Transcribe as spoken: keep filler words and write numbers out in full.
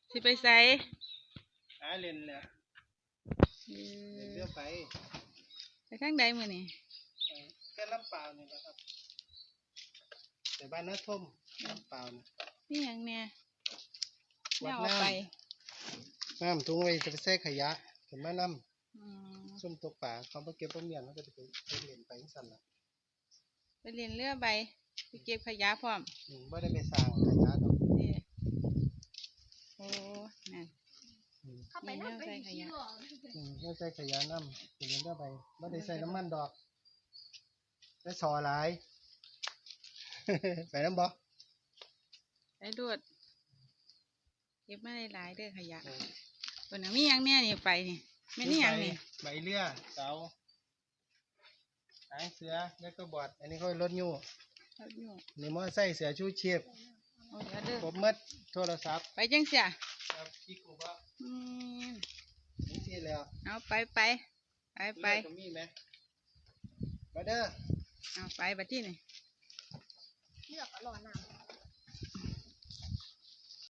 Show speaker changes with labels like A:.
A: สิไปใส่
B: หาเล่นแหละเล่นเรือไป
A: ไปทางใดมื้อนี้
B: แค่ลำเปล่านี่แหละครับแต่บ้านน้าท่มลำเปล่านี่
A: นี่หยังแน่แน
B: วัด
A: วเอา
B: น้
A: ไป
B: ำน้ำถุงไว้จะไปใส่ขยะเห็นไหมน้
A: อืม
B: ำส้มตกป่าเขาไปเก็บต้นเมียนเขาก็จะไปไปเล่นไปสั่นละ
A: ไปเรียนเรือใบไปเก็บขยะพร้อม
B: อืมไม่ได้ไปสร้างขยะดอก
A: นี่โอ้นั่น
B: อืม
C: เข้าไปนั่งไปขี้หลอก
B: อืมไม่ใส่ขยะน้ำไปเล่นเรือไปไม่ได้ใส่น้ำมันดอกใส่ซอหลาย ไปน้ำบ่
A: ไปดูดเก็บมาหลายๆเด้อขยะเพิ่นน่ะมีหยังแน่นี่ไปนี่แม่นนี่หยังนี่
B: ใบเรือเสาหางเสือแล้วก็บอดอันนี้เขารถยู
A: เอาอยู่
B: นี่มอไซค์เสือชูชีพ
A: เอาเดี๋ยวเด้อ
B: ครบหมัดโทรศัพท์
A: ไปจังเสีย
B: ครับพี่กูบ่
A: อืม
B: นี่สิแล้ว
A: เอาไปไปไปไป
B: เรือก็มีไหมมาเด้อ
A: เอาไปบัดที่นี่
C: เลือกก็รอน้ำ